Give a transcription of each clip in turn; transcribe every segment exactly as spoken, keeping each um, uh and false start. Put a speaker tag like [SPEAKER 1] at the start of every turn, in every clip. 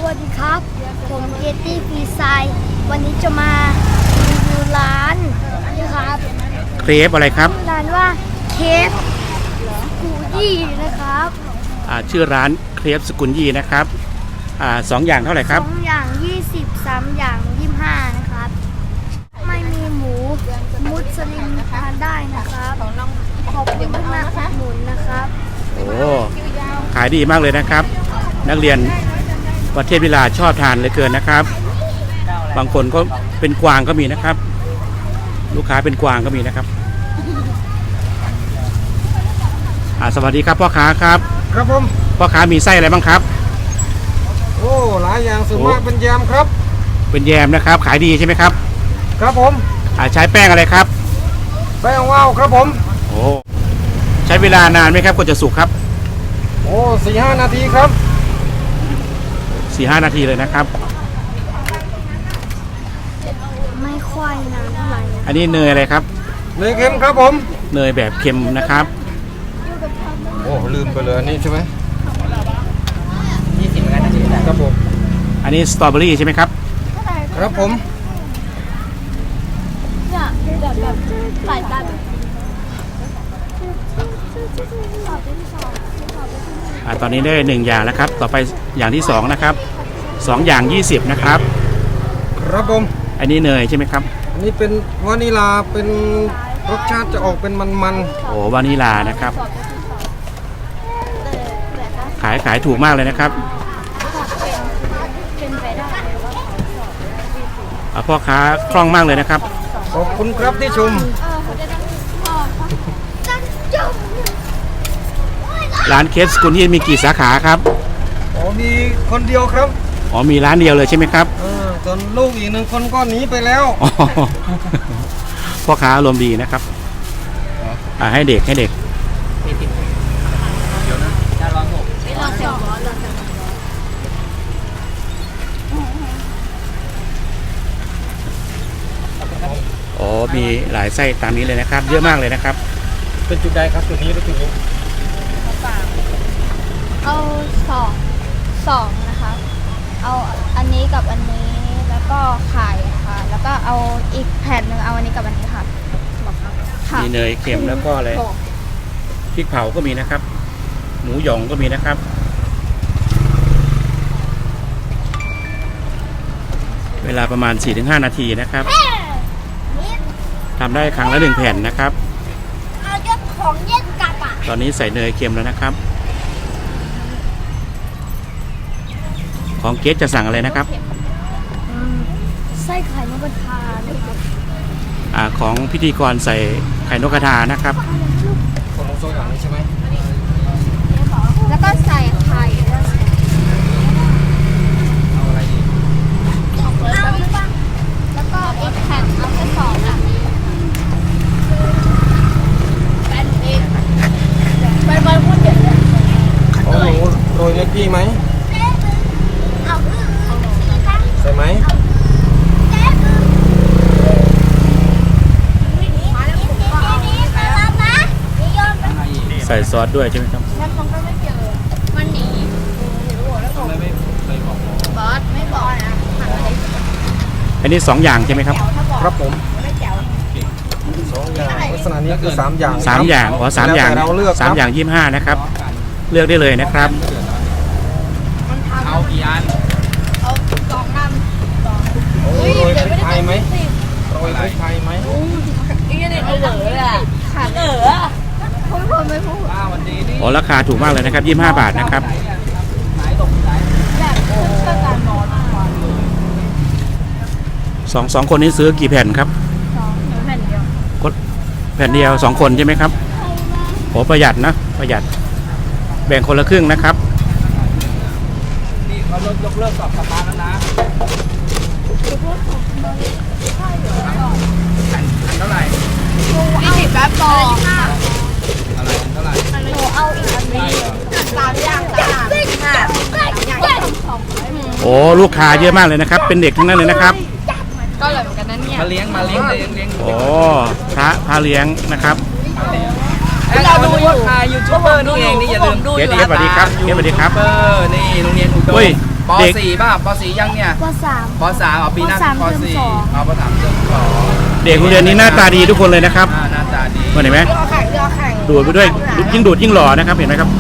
[SPEAKER 1] วัสดีครับผมเกตตี้ฟีไซวันนี้จะมารีวิวร้านนะครับ
[SPEAKER 2] เครปอะไรครับ
[SPEAKER 1] ร้านว่าเคฟกูยี่นะครับ
[SPEAKER 2] อ่าชื่อร้านเครปสกุลยี่นะครับอ่าสองอย่างเท่าไหร่ครับ
[SPEAKER 1] สองอย่างยี่สิบสามอย่างยี่สิบห้านะครับไม่มีหมูมุสลิมทานได้นะครับขอบคุณมากๆหมุนนะครับ
[SPEAKER 2] โอ้ขายดีมากเลยนะครับนักเรียนประเทศวิลาชอบทานเลยเกินนะครับบางคนก็เป็นกวางก็มีนะครับลูกค้าเป็นกวางก็มีนะครับอ่าสวัสดีครับพ่อค้าครับ
[SPEAKER 3] ครับผม
[SPEAKER 2] พ่อค้ามีไส้อะไรบ้างครับ
[SPEAKER 3] โอ้หลายอย่างส่วนมากเป็นแยมครับ
[SPEAKER 2] เป็นแยมนะครับขายดีใช่ไหมครับ
[SPEAKER 3] ครับผม
[SPEAKER 2] อ่าใช้แป้งอะไรครับ
[SPEAKER 3] แป้งว่าวครับผม
[SPEAKER 2] โอ้ใช้เวลานานไหมครับกว่าจะสุกครับ
[SPEAKER 3] โอ้สี่ห้านาทีครับ
[SPEAKER 2] สี่ห้านาทีเลยนะครับ
[SPEAKER 1] ไม่ค่อยนานเท่าไหร่
[SPEAKER 2] อันนี้เนยอะไรครับ
[SPEAKER 3] เนยเค็มครับผม
[SPEAKER 2] เนยแบบเค็มนะครับ
[SPEAKER 3] โอ้ลืมไปเลยอันนี้ใช่ไหมยี่สิบนาทีครับผม
[SPEAKER 2] อันนี้สตรอเบอรี่ใช่ไหมครับ
[SPEAKER 3] ครับผม
[SPEAKER 1] เนี่ยแบบแบบหลายแบบ
[SPEAKER 2] อ่าตอนนี้ได้หนึ่งอย่างแล้วครับต่อไปอย่างที่สองนะครับสองอย่างยี่สิบนะครับ
[SPEAKER 3] ครับผม
[SPEAKER 2] อันนี้เนยใช่ไหมครับ
[SPEAKER 3] อันนี้เป็นวานิลาเป็นรสชาติจะออกเป็นมัน
[SPEAKER 2] ๆโอ้วานิลานะครับขายขายถูกมากเลยนะครับพ่อค้าคล่องมากเลยนะครับ
[SPEAKER 3] ขอบคุณครับที่ชม
[SPEAKER 2] ร้านเคฟสกุลยี่มีกี่สาขาครับ
[SPEAKER 3] อ๋อมีคนเดียวครับ
[SPEAKER 2] อ๋อมีร้านเดียวเลยใช่ไหมครับ
[SPEAKER 3] เออส่วนลูกอีกหนึ่งคนก็หนีไปแล้ว
[SPEAKER 2] พ่อค้าอารมณ์ดีนะครับอ่าให้เด็กให้เด็กอ๋อมีหลายไส้ตามนี้เลยนะครับเยอะมากเลยนะครับ
[SPEAKER 3] เป็นจุดใดครับจุดนี้หรือจุดนี้
[SPEAKER 1] เอาสองสองนะคะเอาอันนี้กับอันนี้แล้วก็ไข่ค่ะแล้วก็เอาอีกแผ่นหนึ่งเอาอันนี้กับอันนี้ค่ะ
[SPEAKER 2] มีเนยเค็มแล้วก็อะไรพริกเผาก็มีนะครับหมูหยองก็มีนะครับเวลาประมาณ สี่ถึงห้า นาทีนะครับทำได้ครั้งละหนึ่งแผ่นนะครับตอนนี้ใส่เนยเค็มแล้วนะครับของเกสจะสั่งอะไรนะครับ
[SPEAKER 1] ไส้ไข่นกกระทานะครับ
[SPEAKER 2] อ่าของพิธีกรใส่ไข่นกกระทานะครับ
[SPEAKER 3] ของโซ่อย่างนี้ใช่ไหม
[SPEAKER 1] แล้วก็ใส่ไข่
[SPEAKER 3] เอาอะไรอีก
[SPEAKER 1] แล้วก็อีกแผ่นเอาแค่สองแบบนี้แผ่นเองไปไปพูดเด็ดเลย
[SPEAKER 3] โอ้โหโรยเล็กกี้ไหมใช่ไหม
[SPEAKER 2] ใส่ซอสด้วยใช่ไหมครับ
[SPEAKER 1] มันหนีบอสไม่บอกนะ
[SPEAKER 2] อันนี้สองอย่างใช่ไหมครับ
[SPEAKER 3] ครับผมสองอย่างลักษณะนี้คือสามอย่าง
[SPEAKER 2] สามอย่างอ๋อสามอย่างสามอย่างยี่สิบห้านะครับเลือกได้เลยนะครับ
[SPEAKER 3] เอากี่อัน
[SPEAKER 1] เอาสองอัน
[SPEAKER 3] โรยพริกไทยไหมโรยพริกไทยไหม
[SPEAKER 1] อีกนิดเหลือเลยอ่ะขาดเหลือพูดพูดไม่พูด
[SPEAKER 2] อ๋อราคาถูกมากเลยนะครับยี่สิบห้าบาทนะครับสองสองคนนี้ซื้อกี่แผ่นครับ
[SPEAKER 1] สองแผ่นเดียว
[SPEAKER 2] แผ่นเดียวสองคนใช่ไหมครับโอ้ประหยัดนะประหยัดแบ่งคนละครึ่งนะครับ
[SPEAKER 3] นี่เขาลดยกเลิกกับสตาร์ทแล้วนะอันเท่าไหร่
[SPEAKER 1] ยี่สิบแบบบอล
[SPEAKER 3] อะไรอันเท่าไหร่
[SPEAKER 1] หนูเอาอีกอันนี้สามอย่างสามอย่าง
[SPEAKER 2] โอ้ลูกค้าเยอะมากเลยนะครับเป็นเด็กทั้งนั้นเลยนะครับ
[SPEAKER 1] ก็เลยเหมือนกันนั่นเนี่ย
[SPEAKER 3] มาเลี้ยงมาเลี้ยงเลี้ยงเลี้ยง
[SPEAKER 2] โอ้พระพาเลี้ยงนะครับ
[SPEAKER 3] เราดูอยู่ยูทูบเบอร์นี่เองนี่อย่าลืมดู
[SPEAKER 2] เกสสวัสดีครับเกสสวัสดีครับ
[SPEAKER 3] เออนี่โรงเรียนอุดม
[SPEAKER 2] เฮ้ย
[SPEAKER 4] ป
[SPEAKER 2] เด็ก
[SPEAKER 4] สี่ป่ะป สี่ยังเนี่ย
[SPEAKER 1] ปสาม
[SPEAKER 4] ป สามเอาปีหน้า
[SPEAKER 1] ปสาม
[SPEAKER 4] ป
[SPEAKER 1] เทอม
[SPEAKER 4] สี่
[SPEAKER 1] สอง
[SPEAKER 4] เอาป สามเทอมสอง
[SPEAKER 2] เด็กโรงเรียนนี้หน้าตาดีทุกคนเลยนะครับ
[SPEAKER 4] อ่าหน้าตาดี
[SPEAKER 2] เห็นไหมดูดไปด้วยยิ่งดูดยิ่งหล่อนะครับเห็นไหมครับ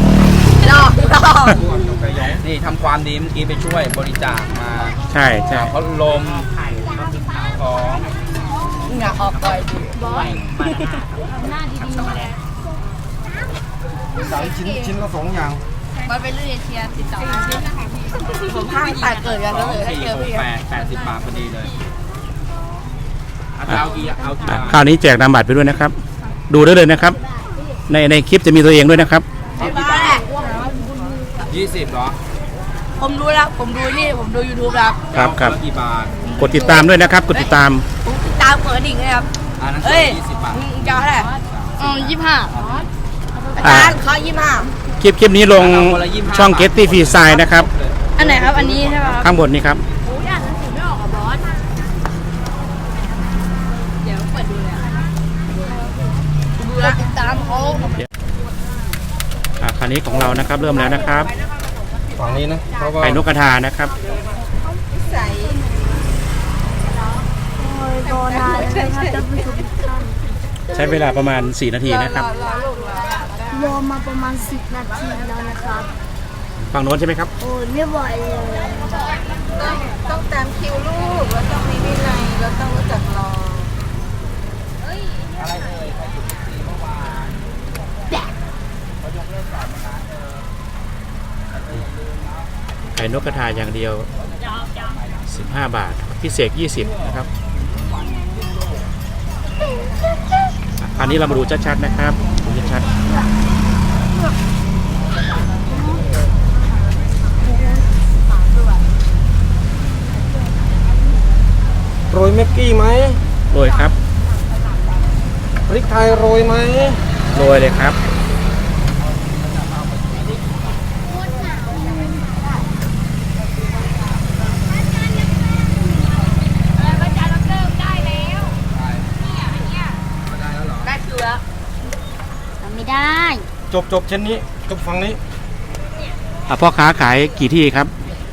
[SPEAKER 4] นี่ทำความดีเมื่อกี้ไปช่วยบริจาคมา
[SPEAKER 2] ใช่ใช่
[SPEAKER 4] พัดลมของ
[SPEAKER 3] สามชิ้นชิ้นละสองอย่าง
[SPEAKER 5] ผมห้างแต่เกิดกันแล้วเลย
[SPEAKER 4] สี่
[SPEAKER 5] เจอ
[SPEAKER 4] หก
[SPEAKER 5] พี่
[SPEAKER 4] แปดแปดสิบบาทพอดีเลยเอาเอากี่เอากี่
[SPEAKER 2] อ่ะ
[SPEAKER 4] บาท
[SPEAKER 2] คราวนี้แจกนามบัตรไปด้วยนะครับ ดูได้เลยนะครับ ในในคลิปจะมีตัวเองด้วยนะครับ
[SPEAKER 4] เอากี่บาทยี่สิบเหรอ
[SPEAKER 5] ผมรู้แล้ว ผมดูนี่ ผมดู YouTube แล้ว
[SPEAKER 2] ครับครับ
[SPEAKER 4] เอากี่บาท
[SPEAKER 2] กดติดตามด้วยนะครับ กดติดตาม
[SPEAKER 5] ผมติดตามเปิดดิ่งเลยครับ
[SPEAKER 4] อันนั้น
[SPEAKER 5] เอ้ย
[SPEAKER 4] ยี่สิบบาท
[SPEAKER 5] มึงจะเอาเท่าไหร่อืมยี่สิบห้าอา
[SPEAKER 2] อ่า
[SPEAKER 5] จารย์เขายี่สิบห้า
[SPEAKER 2] คลิปคลิปนี้ลงช่อง Getty Free Side นะครับ
[SPEAKER 5] อันไหนครับ อันนี้ใช่ไหมครับ
[SPEAKER 2] ข้างบนนี้ครับ
[SPEAKER 5] เดี๋ยวเปิดดูเลยดูแล้วติดตามเขา
[SPEAKER 2] อ่ะคราวนี้ของเรานะครับเริ่มแล้วนะครับ
[SPEAKER 3] ฝั่งนี้นะเพราะว่า
[SPEAKER 2] ไข่นกกระทานะครับ
[SPEAKER 5] ใส่
[SPEAKER 1] โอ้ยรอนานเลยนะครับท่านผู้ชมทุกท่าน
[SPEAKER 2] ใช้เวลาประมาณสี่นาทีนะครับ
[SPEAKER 1] รอมาประมาณสิบนาทีแล้วนะครับ
[SPEAKER 2] ฝั่งโน้นใช่ไหมครับ
[SPEAKER 1] โอ้ยไม่ไหวเลย
[SPEAKER 5] ต้องตามคิวลูก แล้วต้องมีวินัยแล้วต้องรู้จักรอ
[SPEAKER 2] ไข่นกกระทาอย่างเดียวสิบห้าบาท พิเศษยี่สิบนะครับอ่ะคราวนี้เรามาดูชัดๆนะครับดูชัด
[SPEAKER 3] โรยเม็กกี้ไหม
[SPEAKER 2] ๆโรยครับ
[SPEAKER 3] พริกไทยโรยไหม
[SPEAKER 2] โรยเลยครับ
[SPEAKER 5] ได้คิวแล้ว
[SPEAKER 1] ทำไม่ได้
[SPEAKER 3] จบจบเช่นนี้จบฝั่งนี้
[SPEAKER 2] อ่ะพ่อค้าขายกี่ที่ครับ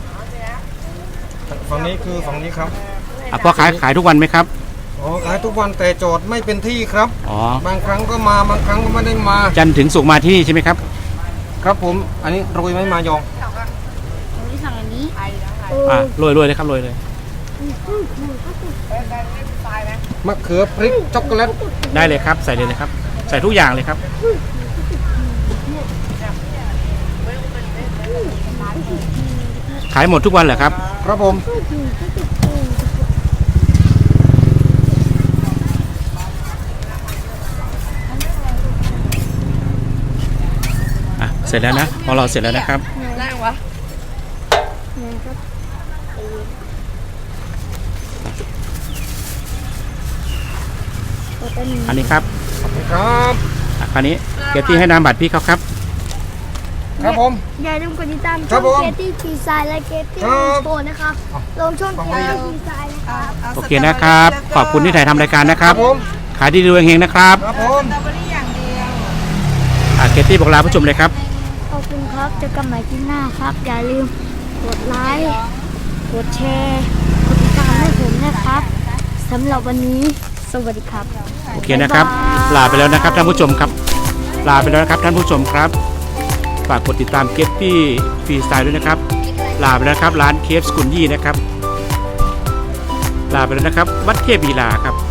[SPEAKER 3] ฝั่งนี้คือฝั่งนี้ครับ
[SPEAKER 2] อ่ะพ่อค้าขายทุกวันไหมครับ
[SPEAKER 3] อ๋อขายทุกวันแต่โจทย์ไม่เป็นที่ครับ
[SPEAKER 2] อ๋อ
[SPEAKER 3] บางครั้งก็มาบางครั้งก็ไม่ได้มา
[SPEAKER 2] จันทร์ถึงศุกร์มาที่นี่ใช่ไหมครับ
[SPEAKER 3] ครับผม อันนี้โรยไหมมายอง
[SPEAKER 1] ผมที่สั่งอันนี้
[SPEAKER 2] อ่ะโรยโรยเลยครับโรยเลย
[SPEAKER 3] มะเขือพริกช็อกโกแลต
[SPEAKER 2] ได้เลยครับ ใส่เลยนะครับ ใส่ทุกอย่างเลยครับ ขายหมดทุกวันเหรอครับ
[SPEAKER 3] ครับผม
[SPEAKER 2] อ่ะ เสร็จแล้วนะของเราเสร็จแล้วนะครับ
[SPEAKER 5] ได้วะ
[SPEAKER 2] อันนี้ครับ
[SPEAKER 3] ขอบคุณครับ
[SPEAKER 2] อ่ะคราวนี้เกตตี้ให้นามบัตรพี่เขาครับ
[SPEAKER 3] ครับผม
[SPEAKER 1] อย่าลืมกดติดตาม
[SPEAKER 3] ครั
[SPEAKER 1] ช่อบ ง
[SPEAKER 3] ผม
[SPEAKER 1] เกตตี้ทีไซน์และเกตตี้
[SPEAKER 3] ครับ
[SPEAKER 1] โปนะครับ ลงช่องเกตตี้ทีไซน์นะครับ
[SPEAKER 2] โอเคนะครับ ขอบคุณที่ถ่ายทำรายการนะค
[SPEAKER 3] ค
[SPEAKER 2] รั
[SPEAKER 3] รั
[SPEAKER 2] บบ
[SPEAKER 3] ผม
[SPEAKER 2] ขายดีดูเฮงๆนะครับ
[SPEAKER 3] ครับผม
[SPEAKER 5] สตรอเบอรี่อย่างเดียว
[SPEAKER 2] อ่ะเกตตี้บอกลาผู้ชมเลยครับ
[SPEAKER 1] ขอบคุณครับเจอกันใหม่ที่หน้าครับ อย่าลืมกดไลค์ กดแชร์ กดติดตามให้ผมนะครับสำหรับวันนี้สวัสดีครับ
[SPEAKER 2] โอเคนะครับ ลาไปแล้วนะครับท่านผู้ชมครับ ลาไปแล้วนะครับท่านผู้ชมครับ ฝากกดติดตามเกตตี้ฟรีสไตล์ด้วยนะครับ ลาไปแล้วครับร้านเคฟสกุลยี่นะครับ ลาไปแล้วนะครับ วัดเทพบีลาครับ